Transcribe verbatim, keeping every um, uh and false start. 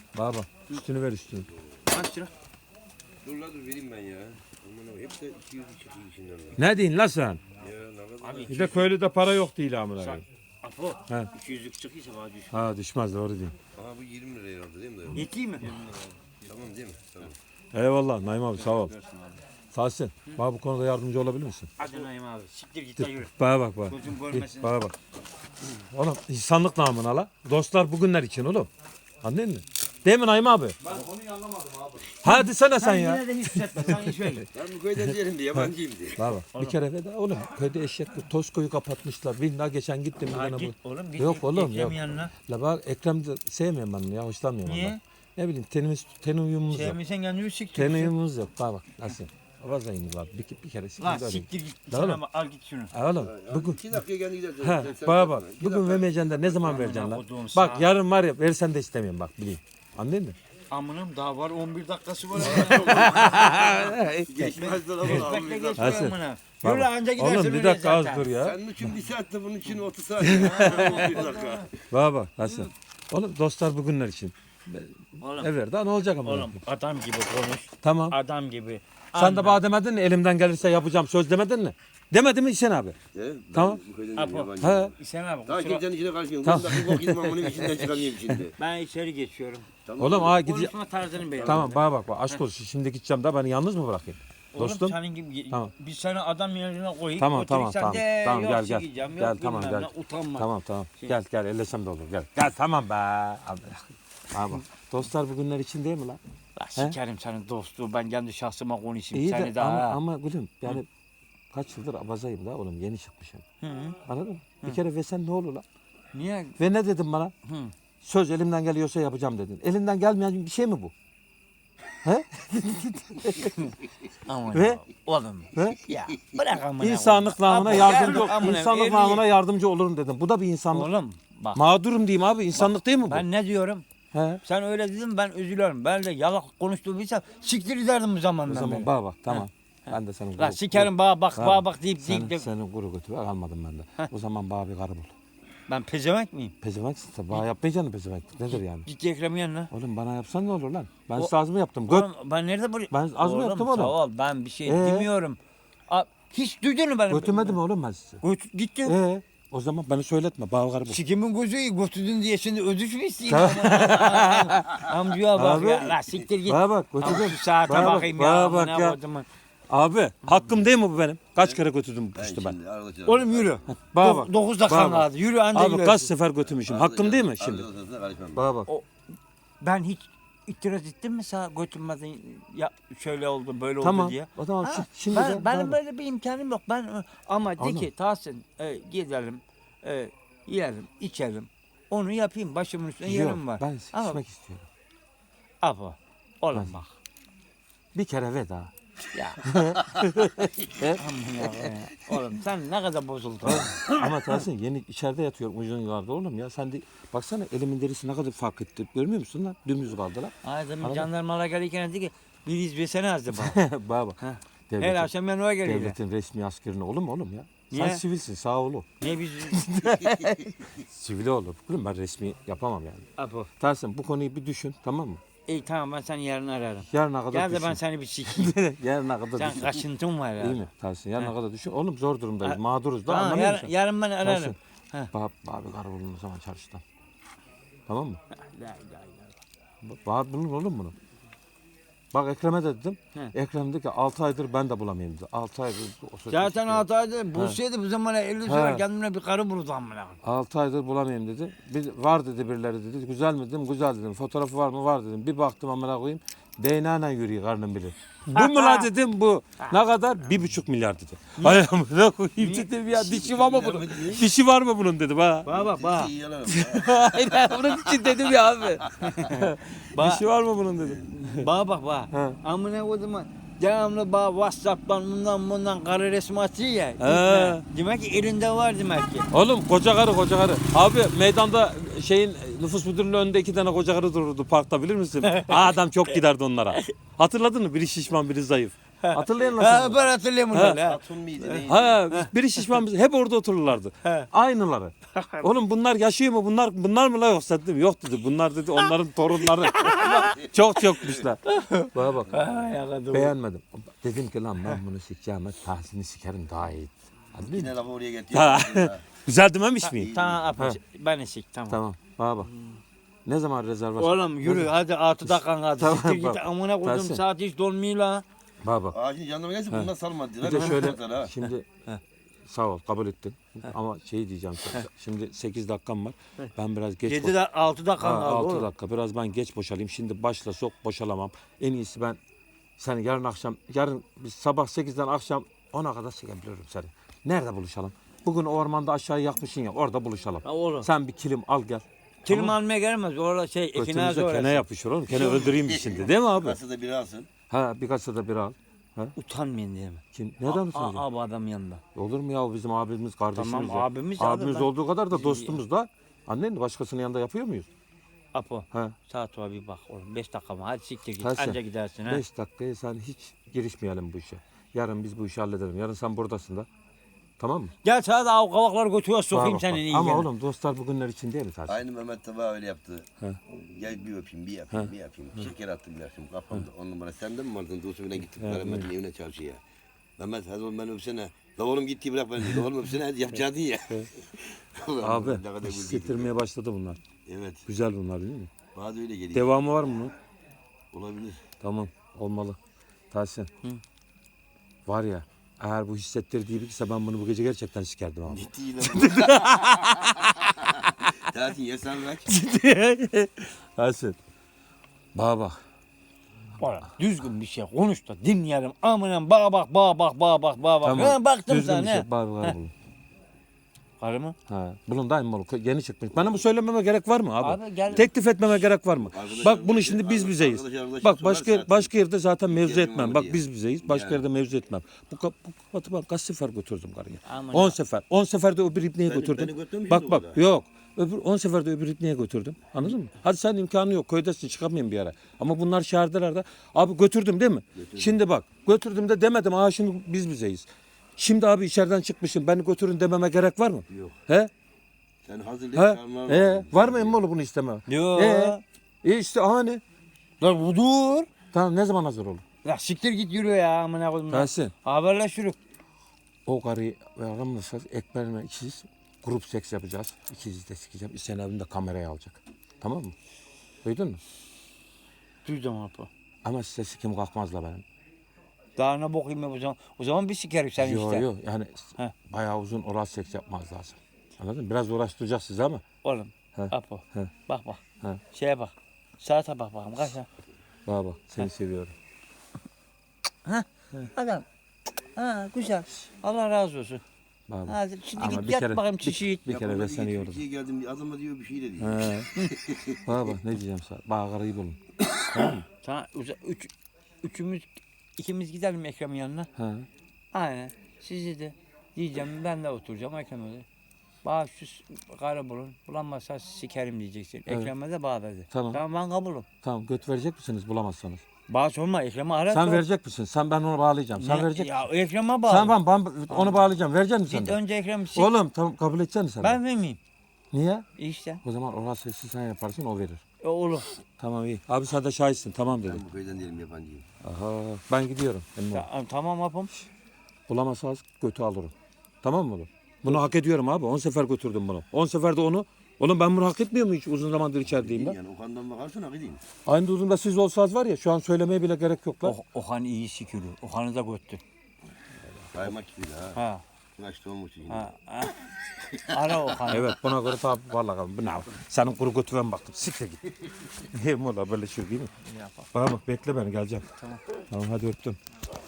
Baba üstünü ver üstünü. Kaç lira? Dur la dur vereyim ben ya. Aman abi hep de iki yüz çıkıyor içinden. Ne diyorsun la sen? Ya ne kadar? Abi Bir de köylüde para yok değil amına Sen- koyayım. Apo. He. iki yüzlük çıkıyorsa bana düş. Ha düşmez doğru değil. Aha bu yirmi liraya herhalde değil mi dayı? Yeteyim mi? Tamam değil mi? Tamam. Eyvallah Naim abi sağ ol. Tahsin bana bu konuda yardımcı olabilir misin? Hadi Naim abi. Siktir git de yürü. Bana bak bak. Gözüm Git, görmesin. bana bak. Oğlum insanlık namına la. Dostlar bugünler için oğlum. Anladın mı? Değil mi Naim abi? Ben konuyu anlamadım abi. Hadi sana sen ya. Yine de hiç hissetme. Sen hiç öyle. Ben bu köyden diyelim de yabancıyım diye. Baba bir kere de oğlum köyde eşekli Tosko'yu kapatmışlar. Bir daha geçen gittim. bir Ha, tane git bu. oğlum git. Yok git, oğlum, Ekrem yok. yanına. La bak Ekrem de sevmiyorum ben onu ya hoşlanmıyorum Niye? ondan. Ne bileyim tenimiz ten uyumumuz yok. Sevmiyorsan kendini siktir. Ten uyumumuz yok. Bak bak nasıl? Avazayını var. Bir, bir kere Lan siktir öyle. siktir git. La Sen oğlum. ama al git şunu. Ha oğlum bugün İki dakika kendi gidersin. ha Sen- sen bana yapma. bak İki bugün dakika. vermeyeceksin de ne zaman Amına vereceksin lan? koduğum Bak sağ. yarın var ya versen de istemiyorum bak bileyim. Anladın mı? Amınım daha var on bir dakikası var. Geçmez de lan Bekle oğlum. geçmiyor Hasan. amına. Baba. Yürü anca gidersin Oğlum bir öyle dakika az zaten. dur ya. Senin için bir saatte bunun için otuz saat. Bir dakika. Bana bak Hasan. Oğlum dostlar bugünler için. Oğlum, Evet daha ne olacak ama? oğlum adam gibi konuş. Tamam. Adam gibi. Sen de bana demedin mi elimden gelirse yapacağım söz demedin mi? Demedin mi İhsan abi? He, ben Tamam. Bu köyden Apo. yabancıyım. He. İhsan abi Daha kusura... kimsenin içine karışmıyorum. Tamam. Tamam. Bunda bir bok yedim ama bunun içinden çıkamıyorum şimdi. Ben içeri geçiyorum. Tamam. Oğlum aa gideceğim. Konuşma tarzını beğendim. Tamam bana bak bak aşk olsun şimdi gideceğim da beni yalnız mı bırakayım? Oğlum Dostum. senin gibi Tamam. biz seni adam yerine koyup Tamam tamam götürürsen tamam. de Tamam yok gel gel. sikeceğim, Gel yok tamam bilmem gel. ne, utanma. Tamam tamam. Şey- Gel gel ellesem de olur gel. Gel tamam be. Abi. Abi bak. Dostlar bugünler için değil mi lan? La sikerim senin dostluğu ben kendi şahsıma konuşayım İyi seni de daha. ama, ama gülüm yani kaç yıldır abazayım da oğlum yeni çıkmışım. Hı -hı. Anladın mı? Bir kere versen ne olur lan? Niye? Ve ne dedim bana? Hı. Söz elimden geliyorsa yapacağım dedin. Elinden gelmeyen bir şey mi bu? He? Aman Ve- ya, oğlum. Ve Ya bırak amına. insanlık namına Abi, yardımcı gel amına, insanlık elli- namına yardımcı olurum dedim. Bu da bir insanlık. Oğlum bak Mağdurum diyeyim abi. İnsanlık değil mi bu? ben ne diyorum? He. Sen öyle dedin ben üzülüyorum. Ben de yalak konuştuğuysam siktir ederdim bu O zamandan zaman beri. bana bak tamam. Ben de senin La kuru- sikerim bana bak Tamam. bana bak deyip Senin, deyip. senin kuru götü almadım ben de. O zaman bana bir karı bul. Ben pezevenk miyim? Pezevenksin sen. Bana yapmayacaksın pezevenk. Nedir yani? Git Ekrem'in yanına. Oğlum bana yapsan ne olur lan? Ben O- size az mı yaptım? Göt. Oğlum, ben nerede buraya? Ben az mı yaptım oğlum? Sağ ol ben bir şey Ee? demiyorum. A, hiç duydun mu benim? Götürmedim oğlum ben sizi. Göt, gittin. Ee, o zaman beni söyletme. Bana karı bul. Sikimin gözü götürdün diye şimdi ödüş mü isteyeyim? Amcaya bak Abi, ya. La siktir git. Bana bak Ama götürdüm. şu saate Bana bak, bakayım bana ya. bak amına ya. kodumun. Abi hakkım değil mi bu benim? Kaç kere götürdüm Ben işte ben. şimdi arada Oğlum yürü. Bana bak. Dokuz dakika Bana bak. kaldı. Yürü anca Abi gidersin. kaç sefer götürmüşüm. Hakkım değil mi şimdi? Karışmam. Bana bak. Ben hiç itiraz ettim mi sana götürmedin ya şöyle oldu böyle oldu Tamam. diye. O zaman Ha, şi- şimdi ben, de benim bana bak. böyle bir imkanım yok. Ben ama de Anladım. ki Tahsin e, gidelim e, yiyelim içelim. Onu yapayım başımın üstünde Yok, yerim var. ben Ama sıkışmak istiyorum. apa oğlum Ben- bak. Bir kere veda. Ya. E? Aman ya, oğlum sen ne kadar bozuldun. Ama Tahsin yeni içeride yatıyorum uzun yıllarda oğlum ya. Sen de baksana elimin derisi ne kadar fark etti. Görmüyor musun lan? Dümdüz kaldı lan. Ağzımın Anladın? jandarmalar gelirken dedi ki bir izlesene azdı bana. Bana bak. Ha. Devletin, Her akşam ben oraya geliyorum. devletin resmi askerine olur mu oğlum ya? Niye? Sen sivilsin sağ olu. Ne biz... Sivili olur. Oğlum ben resmi yapamam yani. Apo. Tahsin bu konuyu bir düşün tamam mı? İyi tamam ben seni yarın ararım. Yarına kadar Gel de düşün. ben seni bir sikeyim. Yarına kadar Sen düşün. kaşıntın var ya. İyi mi Tahsin? Yarına He. kadar düşün. Oğlum zor durumdayız. Ha, Mağduruz da Tamam anlamıyor yar, musun? yarın ben ararım. Tahsin. He. Bab, abi karı bulun o zaman çarşıdan. Tamam mı? La ilahe illallah. Bak bulun oğlum bunu. Bak Ekrem'e de dedim. He. Ekrem dedi ki altı aydır ben de bulamayayım dedi. altı aydır. o söz Zaten istiyor. hataydı. Bulsaydı bu zamana elli sefer He. kendine bir karı bulurdu amına. altı aydır bulamayayım dedi. Bir, var dedi birileri dedi. Güzel mi dedim. Güzel dedim. Fotoğrafı var mı? Var dedim. Bir baktım amına koyayım. D N A'yla yürüyor karnım bilir. Bu mu la dedim bu. Ne kadar? Bir buçuk milyar dedi. Ay amına koyayım dedim ya. Dişi var mı bunun? Dişi var mı bunun dedim ha. Bana bak bak. İyi yalan. Aynen bunun için dedim ya abi. Ba- Dişi var mı bunun dedim. Bana bak bak. He. Amına kodumun. Devamlı bana Whatsapp'tan bundan bundan karı resmi atıyor ya. He. Demek ki elinde var demek ki. Oğlum koca karı koca karı. Abi meydanda şeyin nüfus müdürlüğünün önünde iki tane koca karı dururdu parkta bilir misin? Aa, adam çok giderdi onlara. Hatırladın mı? Biri şişman biri zayıf. Hatırlayın Ha, nasıl? ben hatırlıyorum bunları. ha. Atun mıydı neydi? Ha, biri şişman biz- hep orada otururlardı. Aynıları. Oğlum bunlar yaşıyor mu? Bunlar bunlar mı la yoksa dedim. Yok dedi. Bunlar dedi onların torunları. Çok çokmuşlar. Bana bak. Ha, yakaladım. Beğenmedim. Dedim ki lan ben bunu sikeceğim. Tahsin'i sikerim daha iyi. Hadi Yine lafı oraya Ha. getiriyor. Güzel dememiş miyim? Tamam Ha. Apo. Ben sik tamam. Tamam. Bana bak. Ne zaman rezervasyon? Oğlum yürü hadi altı dakikan kaldı. Tamam, Siktir git bak. amına koydum Tersi. saat hiç dolmuyor la. Bana bak. Aa şimdi jandarma gelse bundan salmadı. Bir de şöyle şimdi sağ ol kabul ettin. Ama şey diyeceğim sana. Şimdi sekiz dakikam var. Ben biraz geç yedi de altı dakikan Ha, kaldı altı oğlum. dakika. Biraz ben geç boşalayım. Şimdi başla sok boşalamam. En iyisi ben seni yarın akşam, yarın biz sabah sekizden akşam ona kadar çekebilirim seni. Nerede buluşalım? Bugün ormanda aşağıya yakmışsın ya orada buluşalım. Ha, oğlum. Sen bir kilim al gel. Kilim almaya gelmez. Orada şey ekinazi Götümüze orası. kene yapışır oğlum. Kene öldüreyim şimdi değil mi abi? Kasada biri alsın. Ha bir kasada bir al. Ha? Utanmayın diye mi? Kim? Neden Aa, utanıyorsun? abi adam yanında. Olur mu ya o bizim abimiz kardeşimiz Tamam, ya. abimiz abi, Abimiz ben- olduğu kadar da dostumuz da. Annen de başkasının yanında yapıyor muyuz? Apo. Ha. Saat var bir bak oğlum. Beş dakika mı? Hadi siktir git. Tersi. Anca gidersin ha. Beş dakikaya sen hiç girişmeyelim bu işe. Yarın biz bu işi halledelim. Yarın sen buradasın da. Tamam mı? Gel sana da av kavakları götüyor sokayım Bak, bak, senin bak. iyi Ama gene. oğlum dostlar bugünler için değil mi Tersi? Aynı Mehmet Taba öyle yaptı. He. Gel bir öpeyim, bir yapayım, bir yapayım. Şeker attım bir yapayım. Kafamda on numara. Sen de mi vardın? Dostumla gittik Mehmet'in evine çarşıya. Mehmet hadi oğlum beni öpsene. La oğlum gitti bırak beni. La oğlum öpsene hadi yapacaktın ya. Abi Ne kadar güldük. hissettirmeye başladı bunlar. Evet. Güzel bunlar değil mi? Bana da öyle geliyor. Devamı var mı bunun? Olabilir. Tamam olmalı. Tahsin. Var ya eğer bu hissettirdiği biriyse ben bunu bu gece gerçekten sikerdim abi. Gitti yine bu. Tatil ya sen bırak. Tahsin. Bana bak. Oğlum düzgün bir şey konuş da dinleyelim. Amına bağ bak bağ bak bağ bak bağ bak. Tamam. Ha, baktım Düzgün sana. bir şey. Bana bak bulun. Karı mı? Ha, bulun daim oğlum. Yeni çıkmış. Bana bu söylememe gerek var mı abi? Abi gel. Teklif etmeme gerek var mı? Arkadaşlar- Bak bunu şimdi biz bizeyiz. Arkadaşlar- arkadaşlar Bak sorar başka zaten. başka yerde zaten mevzu İhtiyacım etmem. var Bak diye. biz bizeyiz. Başka Yani. yerde mevzu etmem. Bu kap- bu kapatı ben kaç sefer götürdüm karıya? Aman on ya. sefer. on seferde öbür ipneye Beni- götürdüm. beni götürmüşsün Bak o bak kadar. yok. Öbür on seferde öbür ipneye götürdüm. Anladın mı? Hadi sen imkanı yok. Köydesin çıkamayayım bir yere. Ama bunlar şehirdeler de. Abi götürdüm değil mi? Şimdi bak götürdüm de demedim. Aa şimdi biz bizeyiz. Şimdi abi içeriden çıkmışım. Beni götürün dememe gerek var mı? Yok. He? Sen hazırlayıp He? çağırman He? lazım. Var mı emmoğlu bunu isteme? Yo. Ee? E işte hani. Lan bu dur. Tamam ne zaman hazır olur? Ya siktir git yürü ya amına koydum. Tahsin. Haberleş yürü. O karıyı aramırsak ekberime ikiz grup seks yapacağız. İkiz de sikeceğim. Sen evinde kamerayı alacak. Tamam mı? Duydun mu? Duydum Apo. Ama size sikim kalkmazla benim. Daha ne bakayım ya o zaman. O zaman bir sikerim seni Yok işte. yok yani He. bayağı uzun oral seks yapmaz lazım. Anladın mı? Biraz uğraştıracağız sizi ama. Oğlum. He. Apo. He. Bak bak. He. Şeye bak. Saate bak bakalım kaç ya. Baba bak seni seviyorum. Adam. Ha güzel. Allah razı olsun. Baba. Ha, şimdi Ama git bir yat kere- bakayım çişi. Bir kere Yapamadı, de seni iyi, yordum. Türkiye'ye geldim adama diyor bir şey de diyor. He. Baba ne diyeceğim sana? Bana karıyı bulun. Tamam. uza- Üç, üçümüz ikimiz gidelim Ekrem'in yanına. He. Aynen. Sizi de diyeceğim ben de oturacağım Ekrem'e de. Bana şu s- karı bulun. Bulamazsa sikerim diyeceksin. Evet. Ekrem'e de bana dedi. Tamam. Tamam ben kabulüm. Tamam göt verecek misiniz bulamazsanız? Bana sorma Ekrem'e ara. Sen sor. verecek misin? Sen ben onu bağlayacağım. Sen Ne- verecek Ya Ekrem'e bağlı. Sen ben, ben onu bağlayacağım. Verecek misin sen Git de? önce Ekrem'i sik. Oğlum tamam kabul edeceksin sen de. Ben vermeyeyim. Niye? İşte. O zaman oral seksi sen yaparsın o verir. E, olur. Tamam iyi. Abi sen de şahitsin tamam dedi. Ben bu köyden değilim yabancıyım. Aha ben gidiyorum. Emmi. Ta- tamam apım. Bulamazsanız götü alırım. Tamam mı oğlum? Bunu hak ediyorum abi. on sefer götürdüm bunu. on seferde onu. Oğlum ben bunu hak etmiyor muyum hiç uzun zamandır içerideyim ben? Yani o kandan bakarsan hak edeyim. Aynı durumda siz olsanız var ya şu an söylemeye bile gerek yok lan. O, Okan iyi sikülü. Okan'ı da göttü. Kaymak gibi de ha. Ha. Kaçtı olmuş şimdi. Ha. ha. Ara Okan'ı. Evet buna göre tabi vallahi bu ne? Senin kuru götüne baktım. Siktir git. Hem ola böyle şey değil mi? Bana bak bekle beni geleceğim. Tamam. Tamam hadi öptüm.